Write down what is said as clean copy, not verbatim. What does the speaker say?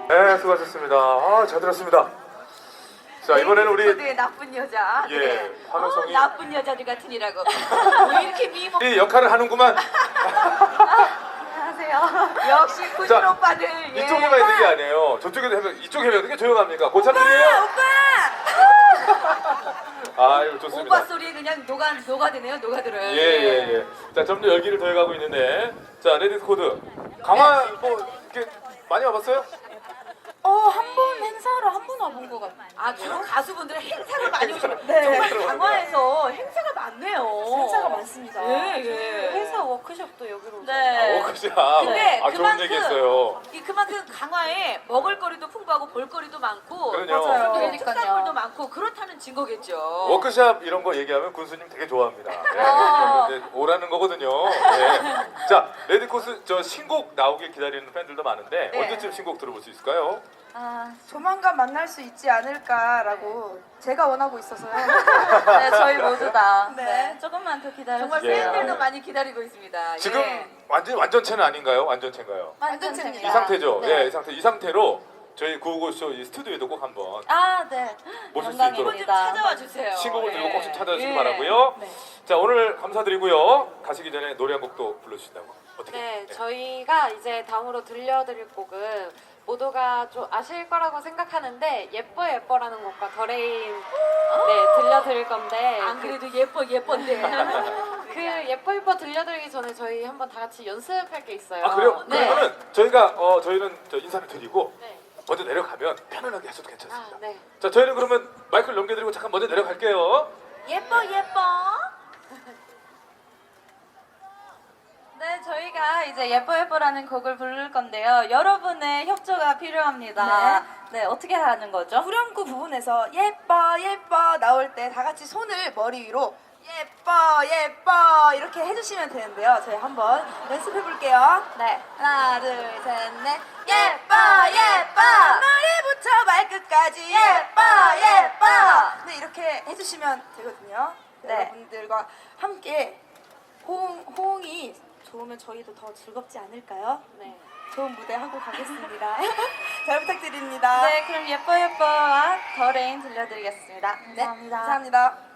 네, 수고하셨습니다. 아, 잘 들었습니다. 자, 이번에는 우리 레이디코드의 나쁜 여자. 예, 네. 환호성이 나쁜 여자들 같으니라고. 왜 이렇게 미모? 이 역할을 하는구만. 안녕하세요. 역시 군인 자, 오빠들. 예. 이쪽에만 있는 게 아니에요. 저쪽에도 해명, 이쪽 해명 어떻게 조용합니까? 고참들이에요? 오빠! 아유, 좋습니다. 오빠 소리에 그냥 녹아드네요, 녹아들어요. 예, 예, 예. 자, 점점 열기를 더해가고 있는데, 자, 레디스 코드. 강화 뭐 이렇게 많이 와봤어요? 한 번 행사를 한 번 와본 것 같아요. 아, 주로 가수분들은 행사를 많이 오시면 네. 정말 강화에서 행사가 많네요. 행사가 많습니다. 예, 예. 회사 워크숍도 여기로 오죠. 네. 워크샵. 근데 아, 좋은 얘기 했어요. 그만큼 강화에 먹을거리도 풍부하고 볼거리도 많고 그럼요. 맞아요. 그리고 그러니까요. 특산물도 많고 그렇다는 증거겠죠. 워크샵 이런 거 얘기하면 군수님 되게 좋아합니다. 네, 아. 이제 오라는 거거든요. 네. 자, 레디코스 저 신곡 나오길 기다리는 팬들도 많은데 네. 언제쯤 신곡 들어볼 수 있을까요? 조만간 만날 수 있지 않을까라고 제가 원하고 있어서요. 네, 저희 모두 다. 네. 네, 조금만 더 기다려주세요. 정말 예. 팬들도 많이 기다리고 있습니다. 지금 예. 완전체는 아닌가요? 완전체인가요? 완전체입니다. 이 상태죠. 네. 예, 이 상태로 저희 구호고쇼 이 스튜디오에도 꼭 한번 아, 네. 모실 수 한번 있도록 좀 찾아와 주세요. 신곡을 들고 예. 꼭 좀 찾아주시기 예. 바라고요. 네. 자, 오늘 감사드리고요. 가시기 전에 노래 한 곡도 불러주신다고. 어떻게? 네, 저희가 이제 다음으로 들려드릴 곡은 모두가 좀 아실 거라고 생각하는데 예뻐 예뻐라는 곡과 더레인 들려드릴 건데 안 그래도 예쁜데. 그 예뻐 예뻐 들려드리기 전에 저희 한번 다 같이 연습할 게 있어요. 아, 그래요? 네. 그러면은 저희는 저 인사를 드리고 네. 먼저 내려가면 편안하게 하셔도 괜찮습니다. 아, 네. 자, 저희는 그러면 마이크를 넘겨드리고 잠깐 먼저 내려갈게요. 예뻐. 네, 저희가 이제 예뻐 예뻐라는 곡을 부를 건데요. 여러분의 협조가 필요합니다. 네, 어떻게 하는 거죠? 후렴구 부분에서 예뻐 예뻐 나올 때 다 같이 손을 머리 위로 예뻐 예뻐 이렇게 해주시면 되는데요. 저희 한번 연습해 볼게요. 네. 하나 둘 셋 넷 예뻐 예뻐 머리부터 발끝까지 예뻐 예뻐 네 이렇게 해주시면 되거든요. 네. 여러분들과 함께 호응이 좋으면 저희도 더 즐겁지 않을까요? 네. 좋은 무대 하고 가겠습니다. 잘 부탁드립니다. 네, 그럼 예뻐 예뻐와 더 레인 들려드리겠습니다. 네, 감사합니다. 감사합니다.